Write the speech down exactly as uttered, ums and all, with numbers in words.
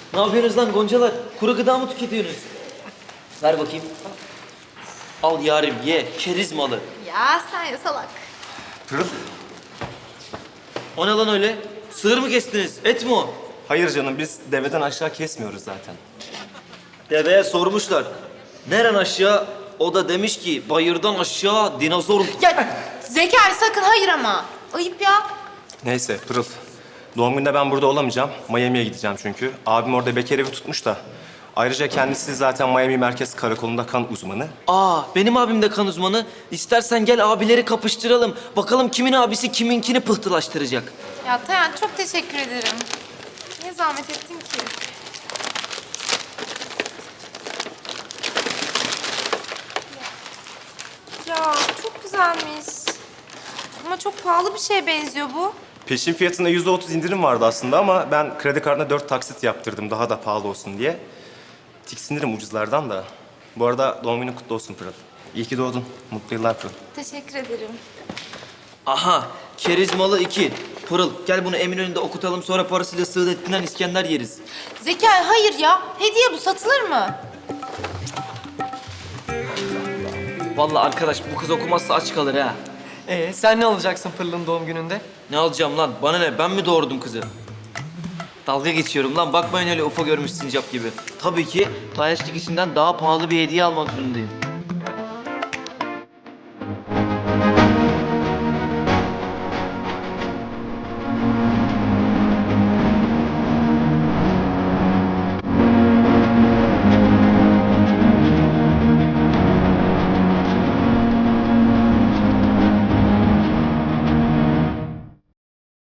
Ne yapıyorsunuz lan goncalar? Kuru gıda mı tüketiyorsunuz? Ver bakayım. Al yarim ye, keriz malı. Ya sen ya salak. Pırıl. O ne lan öyle? Sığır mı kestiniz? Et mi o? Hayır canım, biz deveden aşağı kesmiyoruz zaten. Deveye sormuşlar. Neren aşağı? O da demiş ki bayırdan aşağı dinozor... Ya Zekai sakın hayır ama. Ayıp ya. Neyse Pırıl. Doğum günde ben burada olamayacağım. Miami'ye gideceğim çünkü. Abim orada bekar evi tutmuş da. Ayrıca kendisi zaten Miami Merkez Karakolu'nda kan uzmanı. Aa, benim abim de kan uzmanı. İstersen gel abileri kapıştıralım. Bakalım kimin abisi kiminkini pıhtılaştıracak. Ya Tayan çok teşekkür ederim. Niye zahmet ettin ki? Ya çok güzelmiş. Ama çok pahalı bir şeye benziyor bu. Peşin fiyatında yüzde otuz indirim vardı aslında ama ben kredi kartına dört taksit yaptırdım daha da pahalı olsun diye. Tiksinirim ucuzlardan da. Bu arada doğum günün kutlu olsun Pırıl. İyi ki doğdun. Mutlu yıllar Pırıl. Teşekkür ederim. Aha, keriz malı iki. Pırıl, gel bunu Eminönü'nde okutalım sonra parasıyla Sığdettin'den İskender yeriz. Zekai hayır ya. Hediye bu satılır mı? Vallahi arkadaş bu kız okumazsa aç kalır ha. Ee, sen ne alacaksın Pırıl'ın doğum gününde? Ne alacağım lan? Bana ne? Ben mi doğurdum kızı? Dalga geçiyorum lan. Bakmayın öyle ufa görmüş sincap gibi. Tabii ki tayaçlık içinden daha pahalı bir hediye almak zorundayım.